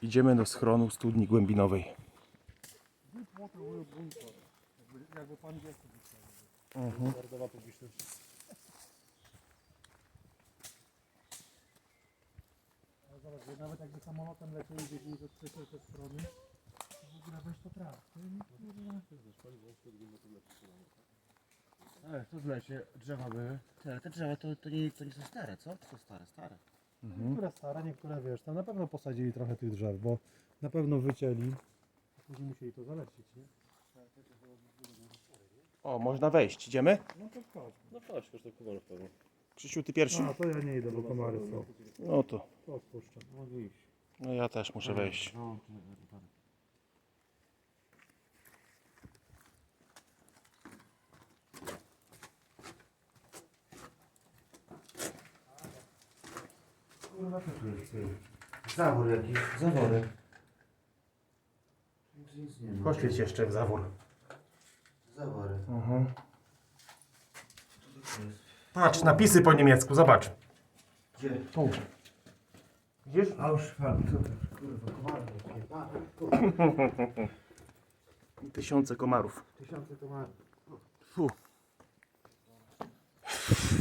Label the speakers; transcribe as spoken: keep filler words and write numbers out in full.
Speaker 1: Idziemy do schronu studni głębinowej.
Speaker 2: Jakby pan wie, co
Speaker 1: Mhm.
Speaker 2: narodowa publiczność. Ale zobacz, że nawet jakby samolotem lecieli gdzieś ze trzeciej te strony, to w ogóle weź to traf. Ale tu w lesie drzewa były.
Speaker 3: Ale te drzewa to, to, nie, to nie są stare, co? To są stare, stare.
Speaker 1: Mhm.
Speaker 2: Niektóre stare, niektóre wiesz, tam na pewno posadzili trochę tych drzew, bo na pewno wycięli. A później musieli to zalecić, nie?
Speaker 1: O, można wejść. Idziemy?
Speaker 2: No to chodź.
Speaker 4: No chodź, kosztuje kumarów pewnie.
Speaker 1: Krzysiu, ty pierwszy?
Speaker 2: No to ja nie idę, bo komary są.
Speaker 1: No to.
Speaker 2: To odpuszczam.
Speaker 4: Mogę iść.
Speaker 1: No ja też muszę wejść.
Speaker 4: No,
Speaker 3: Kurwa, co tu jest? Zawór jakiś, zawory. Nic, nic nie ma.
Speaker 1: Poświeć jeszcze w zawór.
Speaker 3: Zawory.
Speaker 1: Mhm.
Speaker 3: Co to jest?
Speaker 1: Patrz, napisy po niemiecku, zobacz.
Speaker 3: Gdzie?
Speaker 1: Tu. Widzisz?
Speaker 3: Auschwitz. Kurwa, komary jakie.
Speaker 1: Tysiące komarów.
Speaker 3: Tysiące komarów.
Speaker 1: Fu.